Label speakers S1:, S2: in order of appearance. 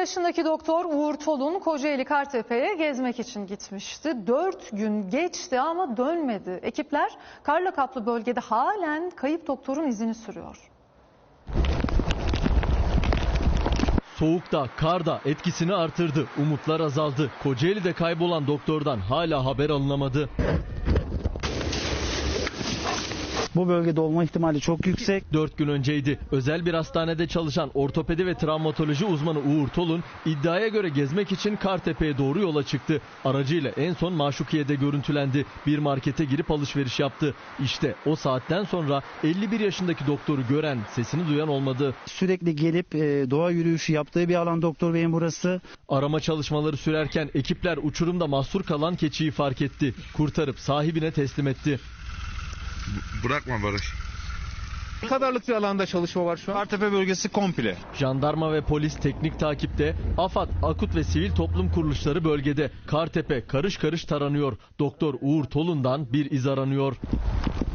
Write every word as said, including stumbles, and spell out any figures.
S1: yaşındaki doktor Uğur Tolun Kocaeli Kartepe'ye gezmek için gitmişti. Dört gün geçti ama dönmedi. Ekipler karla kaplı bölgede halen kayıp doktorun izini sürüyor.
S2: Soğukta, karda etkisini artırdı. Umutlar azaldı. Kocaeli'de kaybolan doktordan hala haber alınamadı.
S3: Bu bölgede olma ihtimali çok yüksek.
S2: Dört gün önceydi. Özel bir hastanede çalışan ortopedi ve travmatoloji uzmanı Uğur Tolun iddiaya göre gezmek için Kartepe'ye doğru yola çıktı. Aracıyla en son Maşukiye'de görüntülendi. Bir markete girip alışveriş yaptı. İşte o saatten sonra elli bir yaşındaki doktoru gören, sesini duyan olmadı.
S3: Sürekli gelip e, doğa yürüyüşü yaptığı bir alan doktor beyin burası.
S2: Arama çalışmaları sürerken ekipler uçurumda mahsur kalan keçiyi fark etti. Kurtarıp sahibine teslim etti.
S4: Bırakma Barış.
S5: Ne kadarlık bir alanda çalışma var şu an?
S4: Kartepe bölgesi komple.
S2: Jandarma ve polis teknik takipte, AFAD, AKUT ve sivil toplum kuruluşları bölgede. Kartepe karış karış taranıyor. Doktor Uğur Tolun'dan bir iz aranıyor.